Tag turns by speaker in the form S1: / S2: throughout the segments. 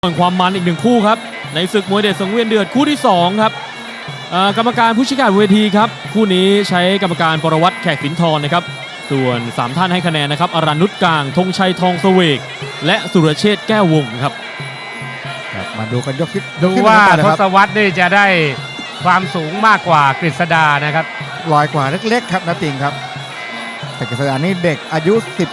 S1: ความมันอีกหนึ่งคู่ครับในศึกมวยเด็ดสังเวียนเดือดคู่ที่2ครับกรรมการผู้ชี้ขาดเวทีครับคู่นี้ใช้กรรมการปรวัตรแขกสินทรนะครับส่วน3ท่านให้คะแนนนะครับอรัญนุชกลางธงชัยทองเสวกและสุรเชษฐ์แก้ววงครับ
S2: มาดูกันยกที่
S3: ดูว่าทศวรรษนี่จะได้ความสูงมากกว่ากฤษดานะครับ
S2: ลอยกว่าเล็กๆครับนะติงครับแต่กฤษดานี่เด็กอายุ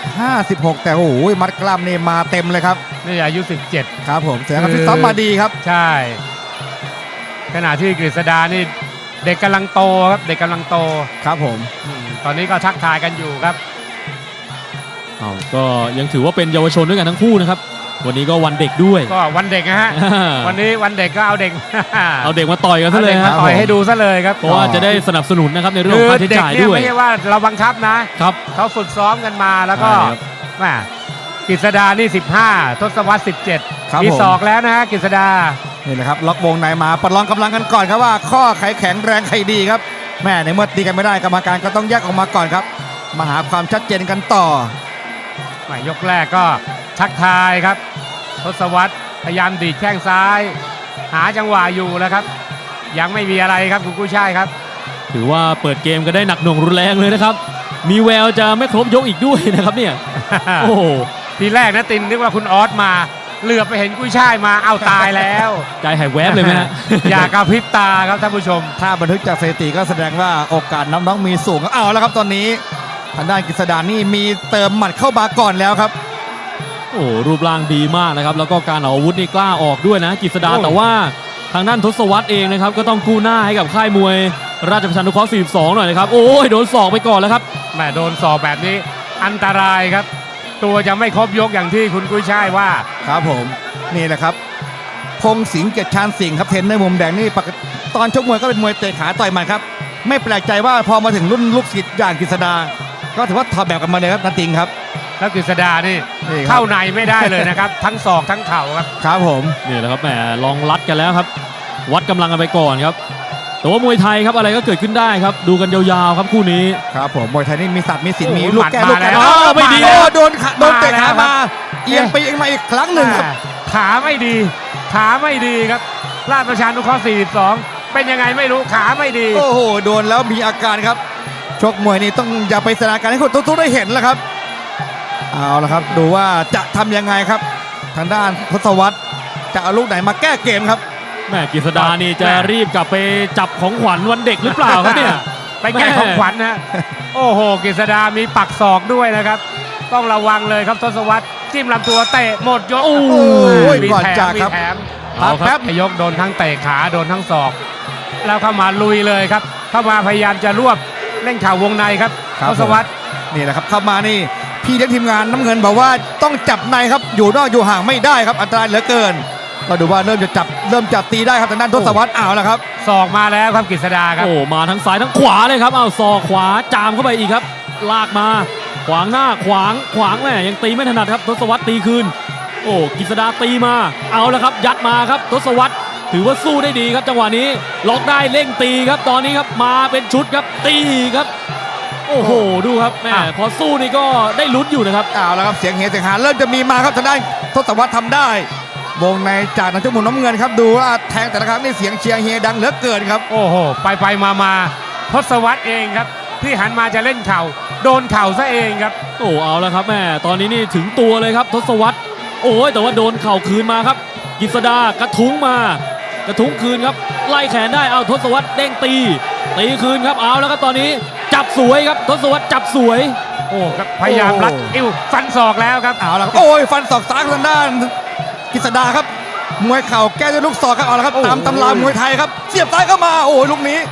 S2: 15-16 แต่โอ้โหมัดกล้ามนี่มาเต็มเลยครับ
S3: นี่อายุ17
S2: ครับผมแสดงว่าฟิตซ้อมมาดีครับ
S3: ใช่ขณะที่กฤษดานี่เด็กกำลังโตครับเด็กกำลังโต
S2: ครับผม
S3: ตอนนี้ก็ทักทายกันอยู่ครับ
S1: ก็ยังถือว่าเป็นเยาวชนด้วยกันทั้งคู่นะครับวันนี้ก็วันเด็กด้วย
S3: ก็วันเด็กนะฮะวันนี้วันเด็กก็เอาเด็ก
S1: มาต่อยกันซะเลยครับ
S3: ต่อยให้ดูซะเลยครับ
S1: เพราะว่าจะได้สนับสนุนนะครับในเรื่องของค่าใช้จ่ายด้วย
S3: ไม่ใช่ว่าเราบังคับนะครับเขาฝึกซ้อมกันมาแล้วก็แม่กฤษดานี่15ทศวรรษ17มีศอกแล้วนะฮะกฤษดา
S2: นี่แหละครับล็อกวงในมาประลองกำลังกันก่อนครับว่าข้อใครแข็งแรงใครดีครับแม่ในเมื่อตีกันไม่ได้กรรมการก็ต้องแยกออกมาก่อนครับมาหาความชัดเจนกันต่
S3: อยกแรกก็ทักทายครับทศวรรษพยายามดีดแข้งซ้ายหาจังหวะอยู่แล้วครับยังไม่มีอะไรครับคุณกุ้ยช่ายครับ
S1: ถือว่าเปิดเกมก็ได้หนักหน่วงรุนแรงเลยนะครับมีแววจะไม่ครบยกอีกด้วยนะครับเนี่ยโอ้
S3: ทีแรกนะตินนึกว่าคุณออสมาเหลือไปเห็นกุ้ยช่ายมาเอาตายแล้ว
S1: ใจหายแวบเลยไหมฮะ
S3: อย่ากระพริบตาครับท่านผู้ชม
S2: ถ้าบันทึกจากสถิติก็แสดงว่าโอกาสน้องๆมีสูงเอาแล้วครับตอนนี้ทางด้านกฤษดานี่มีเติมหมัดเข้ามาก่อนแล้วครับ
S1: โอ้รูปร่างดีมากนะครับแล้วก็การเอาอาวุธนี่กล้าออกด้วยนะกฤษดาแต่ว่าทางด้านทศวรรษเองนะครับก็ต้องกู้หน้าให้กับค่ายมวยราชประชานุเคราะห์42หน่อยนะครับโอ้ยโดนศอกไปก่อนแล้วครับ
S3: แม่โดนศอกแบบนี้อันตรายครับตัวจะไม่ครบยกอย่างที่คุณกุ้ยช่ายว่า
S2: ครับผมนี่แหละครับพงสิงห์เกียรติชาญสิงห์ครับเทรนในมุมแดงนี่ตอนชกมวยก็เป็นมวยเตะขาต่อยหมัดครับไม่แปลกใจว่าพอมาถึงรุ่นลูกศิษย์อย่างกฤษดาก็ถือว่าถอดแบบกันมาเลยครับนาติงครับ
S3: แล้วกฤษดานี่เข้าในไม่ได้เลยนะครับทั้งศอกทั้งเข่าครับ
S2: ครับผม
S1: นี่แหละครับแหมลองรัดกันแล้วครับวัดกำลังกันไปก่อนครับแต่ว่ามวยไทยครับอะไรก็เกิดขึ้นได้ครับดูกันยาวๆครับคู่นี้
S2: ครับผมมวยไทยนี่มีศักดิ์มีสิทธิ์มีลูกแก้ลูกแก้
S1: ไม่ดี
S2: โดนเตะขามาเอียงไปเอียงมาอีกครั้งหนึ่งครับ
S3: ขาไม่ดีครับราชประชานุเคราะห์42เป็นยังไงไม่รู้ขาไม่ดี
S2: โอ้โหโดนแล้วมีอาการครับชกมวยนี่ต้องอย่าไปแสดงการให้คนทุกๆได้เห็นแล้วครับเอาละครับดูว่าจะทำยังไงครับทางด้านทศวรรษจะเอาลูกไหนมาแก้เกมครับ
S1: แม่กฤษดานี่จะรีบกลับไปจับของขวัญวันเด็กหรือเปล่าครับเนี่ย
S3: ไปแก้ของขวัญนะโอ้โหกฤษดามีปักศอกด้วยนะครับต้องระวังเลยครับทศวรรษจิ้มลำตัวเตะหมดยก
S2: โอ้ยก่อนจากครับ
S3: เอาครับยกโดนทั้งเตะขาโดนทั้งศอกแล้วเข้ามาลุยเลยครับเข้ามาพยายามจะรวบเล่นข่าววงในครับทศวรรษ
S2: นี่แหละครับเข้ามานี่พี่เลี้ยงทีมงานน้ำเงินบอกว่าต้องจับในครับอยู่นอกอยู่ห่างไม่ได้ครับอันตรายเหลือเกินก็ดูว่าเริ่มจับตีได้ครับทางด้านทศวรรษแล้วครับ
S3: ศอกมาแล้วครับกฤษดาครับ
S1: โอ้มาทั้งซ้ายทั้งขวาเลยครับศอกขวาจามเข้าไปอีกครับลากมาขวางหน้าขวางแม่ยังตีไม่ถนัดครับทศวรรษตีคืนโอ้กฤษดาตีมาเอาแล้วครับยัดมาครับทศวรรษถือว่าสู้ได้ดีครับจังหวะนี้ล็อกได้เร่งตีครับตอนนี้ครับมาเป็นชุดครับตีครับโอ้โหดูครับแม่พอสู้นี่ก็ได้ลุ้นอยู่นะครับ
S2: เอาแล้วครับเสียงเฮเสียงหาเริ่มจะมีมาครับทางด้านทศวรรษทำได้วงในจากนักชกมุมน้ำเงินครับดูว่าแทงแต่ละครั้งนี่เสียงเชียร์เฮดังเหลือเกินครับ
S3: โอ้โหไปมาทศวรรษเองครับที่หันมาจะเล่นเข่าโดนเข่าซะเองครับ
S1: โอ้เอาแล้วครับแม่ตอนนี้นี่ถึงตัวเลยครับทศวรรษโอ้ยแต่ว่าโดนเข่าคืนมาครับกฤษดากระทุ้งคืนครับไล่แขนได้เอาทศวรรษเด้งตีคืนครับเอาแล้วครับตอนนี้จับสวยครับทศวรรษจับสวย
S3: โอ้ครับพยายามรัดอิ้วฟันศอกแล้วครับ
S2: เอาแล้วโอ้ยฟันศอกซ้ายทางด้านกฤษดาครับมวยเข่าแก้ด้วยลูกศอกครับเอาละครับตามตำรามวยไทยครับเสียบซ้ายเข้ามาโอ้ยลูกนี้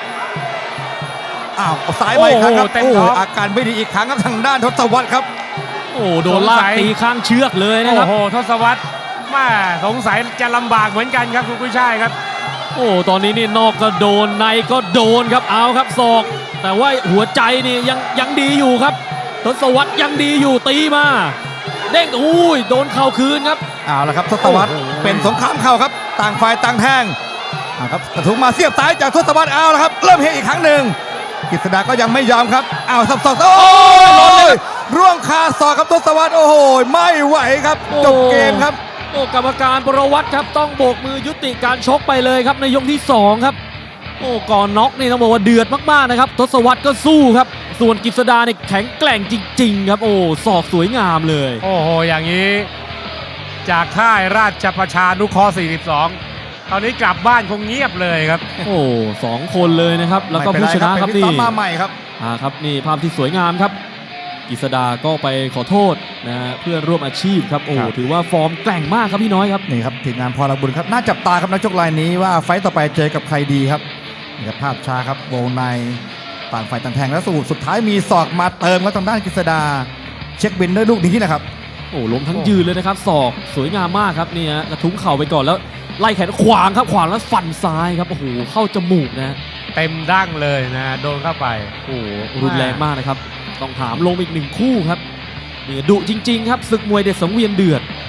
S2: ซ้ายไปครับโอ้อาการไม่ดีอีกครั้งครับทางด้านทศวรรษครับ
S1: โอ้โดนลากตีข้างเชือกเลยนะครับ
S3: โอ้โหทศวรรษมาสงสัยจะลำบากเหมือนกันครับคุณกุ้ยช่ายครับ
S1: โอ้ตอนนี้นี่นอกก็โดนในก็โดนครับเอาครับศอกแต่ว่าหัวใจนี่ยังดีอยู่ครับทศวรรษยังดีอยู่ตีมาเด้งอุ้ยโดนเข่าคืนครับ
S2: เอาละครับทศวรรษเป็นสงครามเข่าครับต่างฝ่ายต่างแทงครับกระทุ้งมาเสียบซ้ายจากทศวรรษเอาละครับเริ่มเฮอีกครั้งหนึ่งกฤษดาก็ยังไม่ยอมครับสับศอกโอ้ยร่วงคาศอกครับทศวรรษโอ้โหไม่ไหวครับจบเกมครับ
S1: โอ้กรรมการประวัติครับต้องโบกมือยุติการชกไปเลยครับในยกที่2ครับโอ้ก่อนน็อกนี่ต้องบอกว่าเดือดมากๆนะครับทศวรรษก็สู้ครับส่วนกฤษดาเนี่ยแข็งแกร่งจริงๆครับโอ้ศอกสวยงามเลย
S3: โอ้โหอย่างนี้จากค่ายราชประชานุเคราะห์42 ตอนนี้กลับบ้านคงเงียบเลยครับ
S1: โอ้2 คนเลยนะครับแล้วก็
S2: ไม่เป็
S1: ผู้
S2: ไร
S1: ชนะครับ
S2: เป็นพี่
S1: นี่
S2: ต้อมมาใหม่ครับ
S1: ครับนี่ภาพที่สวยงามครับกฤษดาก็ไปขอโทษนะฮะเพื่อนร่วมอาชีพครับโอ้
S2: ครับ
S1: ถือว่าฟอร์มแกร่งมากครับพี่น้อยครับ
S2: นี่ครับทีมงานพลบุญครับน่าจับตาครับนักชกรายนี้ว่าไฟต์ต่อไปเจอกับใครดีครับนี่ครับภาพช้าครับวงในต่างฝ่ายต่างแทงแล้วสุดท้ายมีศอกมาเติมครับทางด้านกฤษดาเช็คบินด้วยลูกนี้นะครับ
S1: โอ้ล้มทั้งยืนเลยนะครับศอกสวยงามมากครับนี่ฮะกระทุ้งเข่าไปก่อนแล้วไล่แขนขวางครับขวางแล้วฟันซ้ายครับโอ้โหเข้าจมูกนะ
S3: เต็มดั้งเลยนะโดนเข้าไป
S1: โอ้รุนแรงมากนะครับต้องถามลงอีก1 คู่ครับนี่ดุจริง ๆ ครับศึกมวยเด็ดสังเวียนเดือด